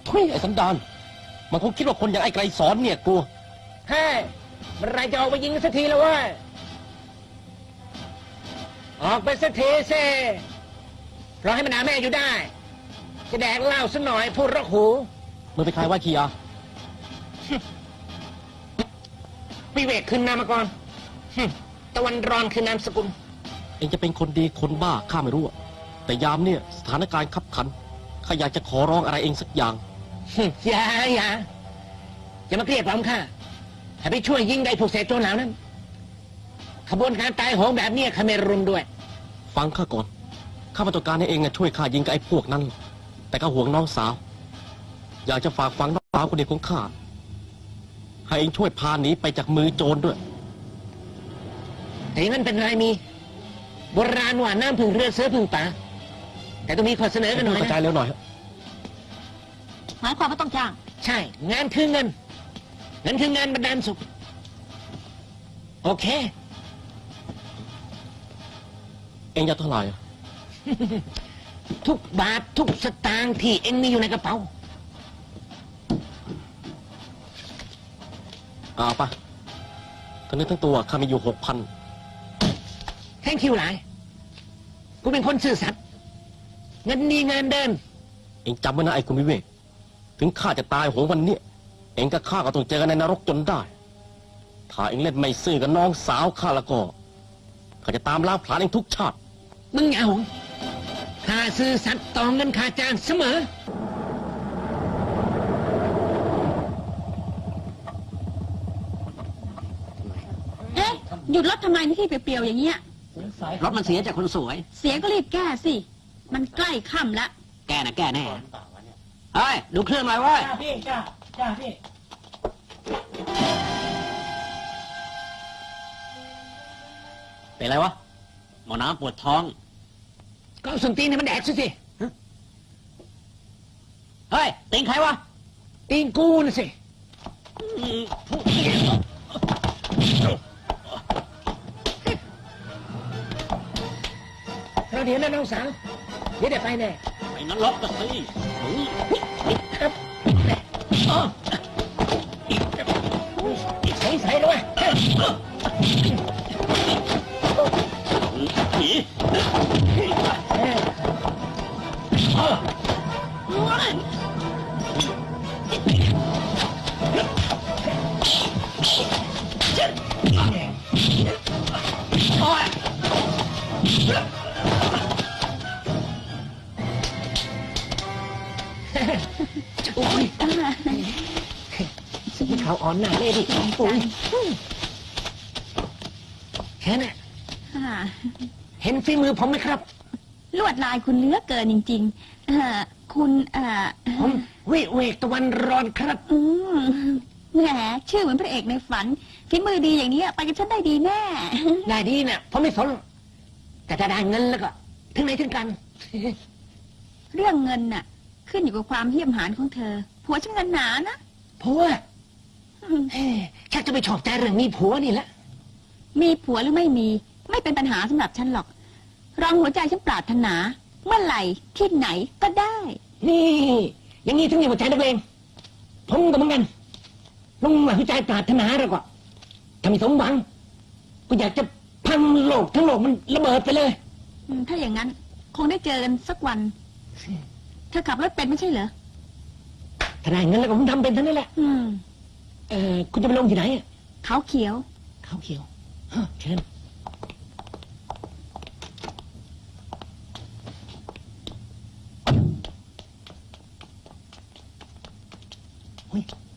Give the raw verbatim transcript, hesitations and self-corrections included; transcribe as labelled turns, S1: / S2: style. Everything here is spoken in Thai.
S1: เฮ้ยไอ้สันดานมันคงคิดว่าคนอย่างไอ้ไกรสอนเนี่ยกลัว
S2: เฮ้ยเมื่อไรจะออกไปยิงสักทีแล้ววะออกไปสักทีเซ่รอให้มันหาแม่อยู่ได้จะแดกเหล้าสักหน่อยพูดรกหู
S1: มึงไปใครว่าขี้อ่ะ
S2: วิเวกคืนนามก่อนตะวันร้อนคือนามสกุล
S1: เองจะเป็นคนดีคนบ้าข้าไม่รู้แต่ยามเนี่ยสถานการณ์ขับขันข้าอยากจะขอร้องอะไรเองสักอย่าง
S2: อย่าอย่าอย่ามาเกลียดผมค่ะให้ไปช่วยยิงได้พวกเศษโจรเหล่านั้นขบวนการตายโหงแบบนี้ข้าไม่รุมด้วย
S1: ฟังข้าก่อนข้ามาต้องการให้เองช่วยข้ายิงกับไอ้พวกนั้นแต่ข้าห่วงน้องสาวอยากจะฝากฝังน้องสาวคนเดียวของข้าให้เองช่วยพาหนีไปจากมือโจรด้วย
S2: แต่ยังนั้นเป็นไรมีโบราณว่าน้ำพึ่งเรือเสือพึ่งป่าแต่ต้องมีข้อเสนอกันหน่อยนะ
S1: กระจายเร็วหน่อย
S3: หมายความว่าต้องจ้าง
S2: ใช่งานคือเงินเงินคืองานบรรดาลสุขโอเค
S1: เองจะเท่าไหร่
S2: ทุกบาททุกสตางค์ที่เองมีอยู่ในกระเป๋า
S1: เอาปะทั้งนี้ทั้งตัวข้ามีอยู่หกพัน
S2: แท่งคิวหลายกูเป็นคนซื่อสัตย์เงินดีเงินเดิน
S1: เองจำไว้นะไอ้คุณวิเวกถึงข้าจะตายโหงวันนี้เองกับข้าก็ต้องเจอกันในนรกจนได้ถ้าเองเล่นไม่ซื่อกับน้องสาวข้าแล้วก็ข้าจะตามล้างผลาญเองทุกชาติ
S2: มึงอย่าหงข้าซื่อสัตย์ต่อเงินข้าจ้างเสมอ
S3: เอ๊ะหยุดรถทำไมนี่ที่เปรียวๆอย่างเงี้ย
S2: รถมันเสียจากคนสวย
S3: เสียก็รีบแก้สิมันใกล้ค่ำแล้ว
S2: แก้นะแก้แน่เฮ้ยดูเครื่องหน่อยเว้ยจ้าพี่จ้าจ้าพี่
S1: เป็นไรวะหมอน้ำปวดท้อง
S2: ก็เอาส้นตีนให้มันแดกสิสิเฮ้ยตีนใครวะตีนกูน่ะสิเราเดี๋ยวนะน้องสาวเดี๋ยวเดี๋ยวไปแน่
S1: ไปนรกกันสิ
S2: ครับอ๋อใส่ใส่ด้วย
S1: ผี
S2: อุ้ยสิ่งที่เขาอ่อนหน้าเลยดิอุ้ยแค่นั้นเห็นฝีมือผมไหมครับ
S3: ลวดลายคุณเนื้อเกินจริงๆคุณ
S2: ผมวิเวกตะวันร้อนครับ
S3: แหมชื่อเหมือนพระเอกในฝันฝีมือดีอย่างนี้ไปกับฉันได้ดีแน่
S2: ได้ดีเนี่ยผมไม่สนแต่ถ้าได้เงินแล้วก็ถึงไหนถึงกัน
S3: เรื่องเงินน่ะขึ้นอยู่กับความเหี้ยมหาญของเธอผัวฉันเงินหนานะ
S2: ผัวชักจะไปชอบใจเรื่องมีผัวนี่แหละ
S3: มีผัวหรือไม่มีไม่เป็นปัญหาสำหรับฉันหรอกรองหัวใจฉันปรารถนาเมื่อไหร่ที่ไหนก็ได้
S2: นี่อย่างนี้ถึงมีหัวใจนักเลงผมก็เหมือนกันลงหัวใจปรารถนาแล้วก็ถ้ามีสมหวังก็อยากจะพังโลกทั้งโลกมันระเบิดไปเลย
S3: ถ้าอย่างนั้นคงได้เจอกันสักวันเธอขับรถเป็นไม่ใช่เหรอ
S2: ถ้าได้เงินแล้วก็ผมทำเป็นเท่านั้นแหละ
S3: อืม
S2: เออคุณจะไปลงที่ไหนอ่ะ
S3: เขาเขียว
S2: เขาเขียวฮะเชิญเฮ้ย